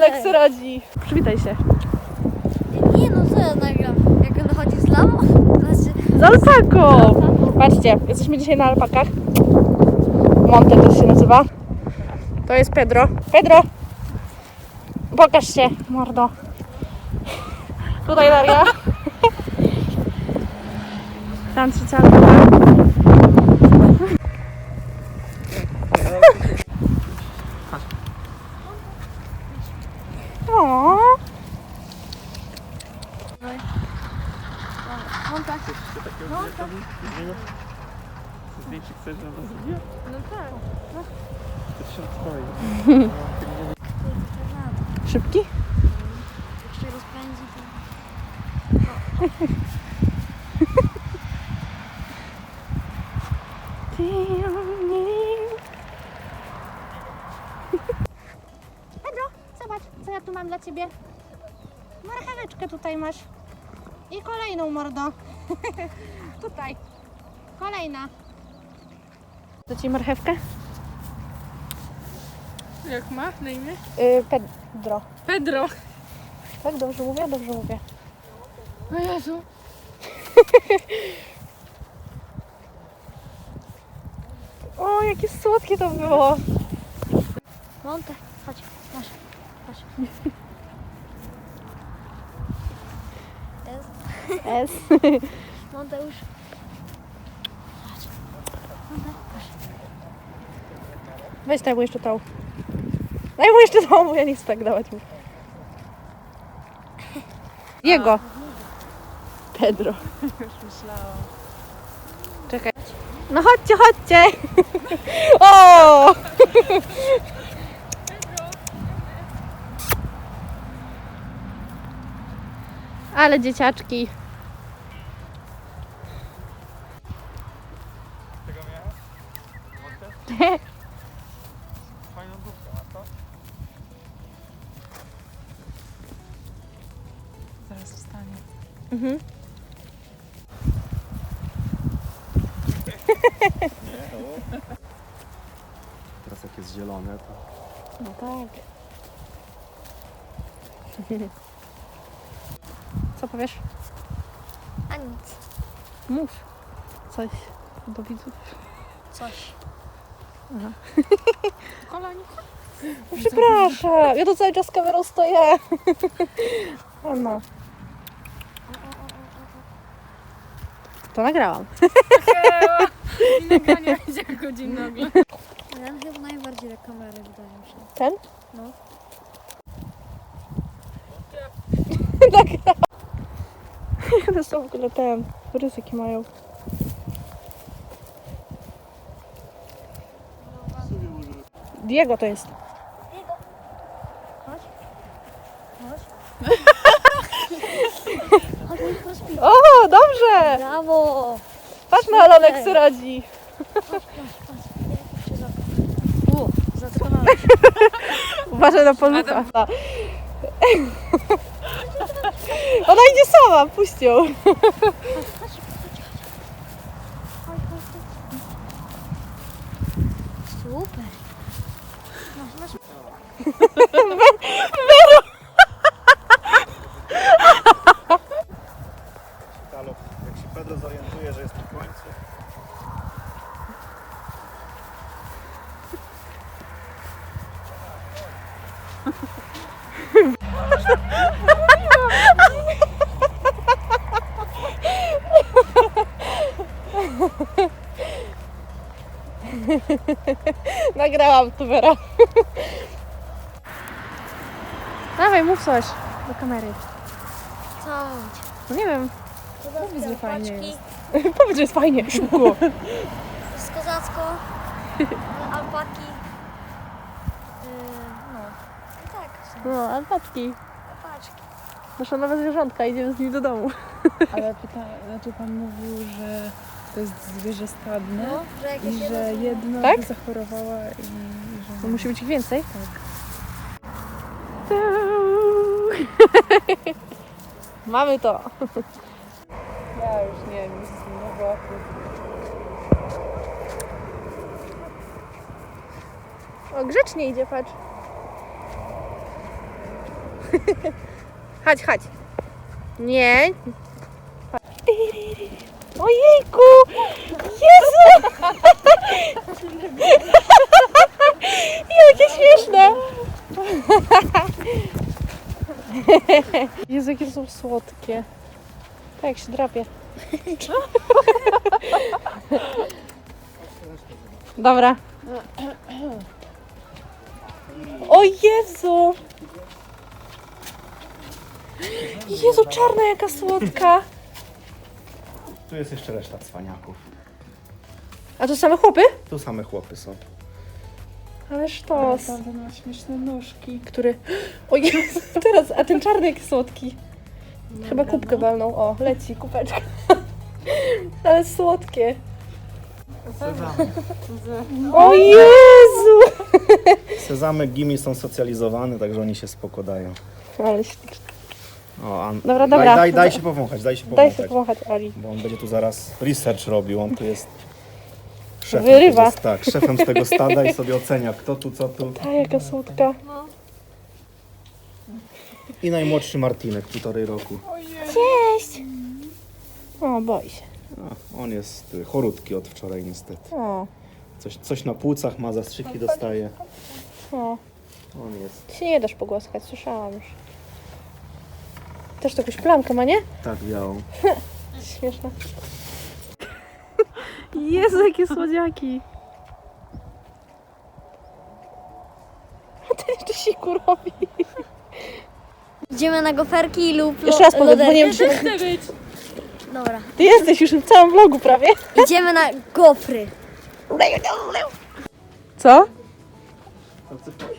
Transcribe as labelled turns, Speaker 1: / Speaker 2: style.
Speaker 1: Alex radzi. Przywitaj się.
Speaker 2: Nie no, co ja nagram? Jak on chodzi z lamą? Znaczy...
Speaker 1: Z alpaką! Patrzcie, jesteśmy dzisiaj na alpakach. Monte też się nazywa. To jest Pedro. Pedro! Pokaż się, mordo. Tutaj Daria. Tam trzecia alpaka. O.
Speaker 2: Monta.
Speaker 3: Zdjęcie chcesz, że nas zrobię?
Speaker 2: No tak.
Speaker 3: To się odstoi.
Speaker 1: Szybki?
Speaker 2: Jak się rozpędzi, to...
Speaker 1: Pedro, zobacz, co ja tu mam dla ciebie. Marcheweczkę tutaj masz. I kolejną, mordo. Tutaj. Kolejna. Do ci marchewkę?
Speaker 4: Jak ma na imię?
Speaker 1: Pedro.
Speaker 4: Pedro.
Speaker 1: Tak, dobrze mówię? Dobrze mówię.
Speaker 4: O Jezu.
Speaker 1: O, jakie słodkie to było.
Speaker 2: Monta, chodź, masz. Chodź.
Speaker 1: S.
Speaker 2: Monta już. Chodź. Monta, chodź.
Speaker 1: Weź daj mu jeszcze tą. Daj mu jeszcze tą, bo ja nie chcę tak dawać mu. Jego. Pedro.
Speaker 4: Już myślałam.
Speaker 1: Czekaj. No chodźcie, chodźcie. O! Ale dzieciaczki.
Speaker 3: Tego miałem? Fajną główkę, a to?
Speaker 4: Zaraz wstanie.
Speaker 1: Mhm.
Speaker 3: Nie, o. Teraz jak jest zielone, to...
Speaker 1: No tak. Co powiesz?
Speaker 2: A nic.
Speaker 1: Mów coś do widzów.
Speaker 2: Coś.
Speaker 4: Kolanik.
Speaker 1: No, przepraszam, ja tu cały czas z kamerą stoję. O no. To nagrałam.
Speaker 4: I nagranie będzie godzin nagle.
Speaker 2: Ten chyba najbardziej do kamery, wydaje mi się.
Speaker 1: Ten?
Speaker 2: No.
Speaker 1: Nagrałam. To są w ogóle ten, ryzyki mają. Diego to jest.
Speaker 2: Chodź. Chodź. Chodź, mój rozpij.
Speaker 1: O, dobrze!
Speaker 2: Brawo!
Speaker 1: Patrz na Alex radzi.
Speaker 2: Patrz. Jak się zatrzymałeś.
Speaker 1: Uważaj na palucha. Ona idzie sama, puść ją.
Speaker 2: Super. Masz.
Speaker 3: Halo, jak się Pedro zorientuje, że jest na końcu.
Speaker 1: Nagrałam tu, Vera. Dawaj, mów coś do kamery.
Speaker 2: Co?
Speaker 1: No nie wiem,
Speaker 2: Powiedz,
Speaker 4: że fajnie jest.
Speaker 1: powiedz, że jest fajnie, szybko.
Speaker 2: Z kozacko. Alpaki. No. I tak. są
Speaker 1: No, alpatki.
Speaker 2: Alpaczki.
Speaker 1: Nasze nowe zwierzątka, idziemy z nimi do domu.
Speaker 4: Ale pan mówił, że to jest zwierzę stadne
Speaker 2: No, że jak
Speaker 4: i
Speaker 2: jest
Speaker 4: że
Speaker 2: jedno,
Speaker 4: jedna
Speaker 1: Tak?
Speaker 4: by zachorowała i że...
Speaker 1: No, musi być ich więcej.
Speaker 4: Tak.
Speaker 1: Mamy to.
Speaker 4: Ja już nie wiem, jest znowu.
Speaker 1: O, grzecznie idzie, patrz. Chodź, chodź. Nie. Ojejku! Jezu! Jakie śmieszne! Jezu, jakie są słodkie. Tak jak się drapie. Dobra. O Jezu! Jezu, czarna jaka słodka.
Speaker 3: Tu jest jeszcze reszta cwaniaków.
Speaker 1: A to same chłopy?
Speaker 3: Tu same chłopy są.
Speaker 1: Ale sztos.
Speaker 4: Naprawdę ma śmieszne nóżki.
Speaker 1: Który? O Jezu, teraz, a ten czarny jaki słodki. Chyba kubkę walnął. O, leci kubeczka. Ale słodkie. O Jezu!
Speaker 3: Sezamy gimi są socjalizowane, także oni się spoko dają.
Speaker 1: Ale ślicznie.
Speaker 3: O,
Speaker 1: Dobra, dobra.
Speaker 3: Daj się powąchać, daj się
Speaker 1: Daj
Speaker 3: powąchać.
Speaker 1: sobie pomachać Ali.
Speaker 3: Bo on będzie tu zaraz research robił, on tu jest szefem
Speaker 1: Wyrywa.
Speaker 3: tak, szefem z tego stada i sobie ocenia kto tu, co tu.
Speaker 1: A jaka słodka.
Speaker 3: I najmłodszy Martinek, 1,5 roku.
Speaker 1: Cześć! O, boi się.
Speaker 3: A, on jest chorutki od wczoraj niestety.
Speaker 1: O,
Speaker 3: Coś na płucach ma, zastrzyki dostaje.
Speaker 1: o.
Speaker 3: On jest
Speaker 1: Się nie dasz pogłaskać, słyszałam już. Też to jakąś plamkę ma, nie?
Speaker 3: tak białą.
Speaker 1: Śmieszne. Jezu, jakie słodziaki. A ten jeszcze siku robi.
Speaker 2: Idziemy na goferki lub
Speaker 1: Jeszcze raz powiedz, bo nie wiem, czy...
Speaker 2: Dobra.
Speaker 1: Ty jesteś już w całym vlogu prawie.
Speaker 2: Idziemy na gofry.
Speaker 1: Co?